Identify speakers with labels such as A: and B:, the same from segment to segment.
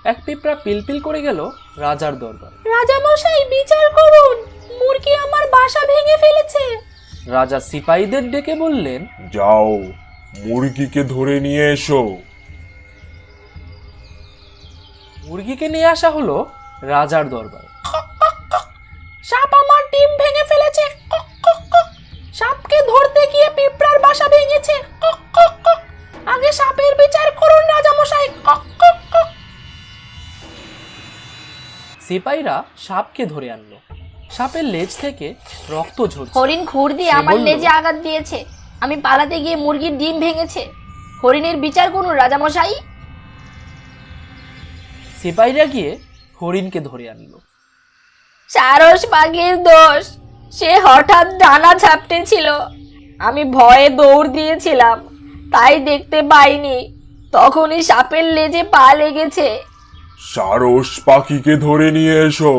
A: এক পিঁপড়া পিলপিল করে গেল রাজার দরবারে।
B: রাজা মশাই, বিচার করুন, মুরগি আমার বাসা ভেঙে ফেলেছে।
A: রাজা সিপাহীদের ডেকে বললেন,
C: যাও, মুরগিকে ধরে নিয়ে এসো।
A: মুরগিকে নিয়ে আসা হলো রাজার দরবারে।
B: সাপ আমার ডিম ভেঙে ফেলেছে। সাপকে ধরতে গিয়ে পিঁপড়ার বাসা ভেঙেছে। আগে সাপের বিচার করুন রাজা মশাই।
A: সিপাহীরা সাপকে ধরে আনলো। সাপের লেজ থেকে রক্ত ঝরছে।
B: হরিণ খুর দিয়ে
A: সে
B: আমার
A: বলল,
B: লেজে আঘাত দিয়েছে। আমি পালাতে গিয়ে মুরগির ডিম ভেঙেছে। হরিণের বিচার করুন রাজা মশাই।
A: সিপাহীরা গিয়ে হরিণকে ধরে আনলো।
B: সারস পাখির দোষ, সে হঠাৎ ডানা ঝাপটে ছিল। আমি ভয়ে দৌড় দিয়েছিলাম, তাই দেখতে পাইনি। তখনই সাপের লেজে পা লেগেছে।
C: সারস পাখিকে ধরে নিয়ে এসো।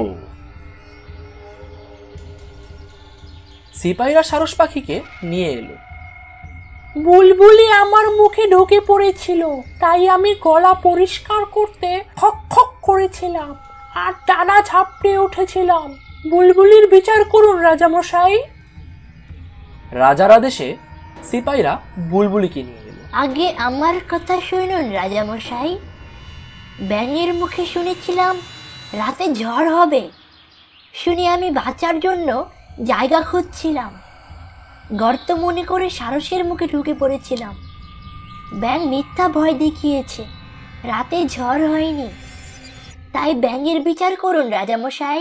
A: সিপাহীরা সারস পাখিকে নিয়ে এলো।
B: বুলবুলি আমার মুখে ঢুকে পড়েছিল, তাই আমি গলা পরিষ্কার করতে খক খক করেছিলাম আর ডানা ঝাপটে উঠেছিলাম। বুলবুলির বিচার করুন রাজামশাই।
A: রাজার আদেশে সিপাহীরা বুলবুলিকে নিয়ে এলো।
D: আগে আমার কথা শুনুন রাজামশাই। ব্যাঙের মুখে শুনেছিলাম রাতে ঝড় হবে। শুনে আমি বাঁচার জন্য জায়গা খুঁজছিলাম। গর্ত মনে করে সারসের মুখে ঢুকে পড়েছিলাম। ব্যাঙ মিথ্যা ভয় দেখিয়েছে, রাতে ঝড় হয়নি। তাই ব্যাঙের বিচার করুন রাজামশাই।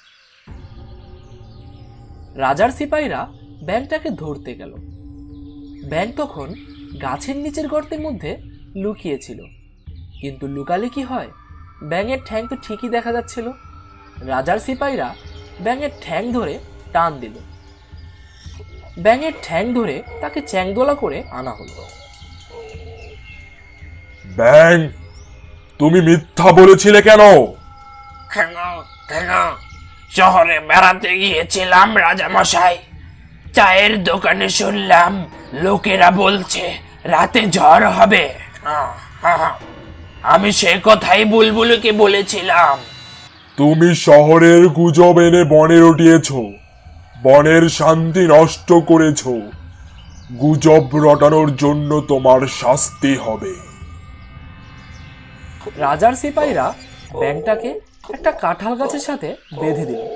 A: রাজার সিপাহীরা ব্যাঙটাকে ধরতে গেল। ব্যাঙ তখন গাছের নিচের গর্তের মধ্যে লুকিয়েছিল। কিন্তু লুকালে কি হয়, ব্যাঙের ঠ্যাং তো ঠিকই দেখা যাচ্ছিল। রাজার সিপাহীরা ব্যাঙের ঠ্যাং ধরে টান দিল। ব্যাঙের ঠ্যাং ধরে তাকে চ্যাংদোলা করে আনা হলো।
C: ব্যাং, তুমি মিথ্যা বলেছিলে কেন?
E: কেন শহরে বেড়াতে গিয়েছিলাম রাজামশাই। চায়ের দোকানে শুনলাম লোকেরা বলছে রাতে ঝড় হবে। আমি সে কথাই বুলবুলকে বলেছিলাম।
C: তুমি শহরের গুজব এনে বনে রটিয়েছ, বনের শান্তি নষ্ট করেছ। গুজব রটানোর জন্য তোমার শাস্তি হবে।
A: রাজার সিপাহীরা ব্যাঙটাকে একটা কাঁঠাল গাছের সাথে বেঁধে দিল।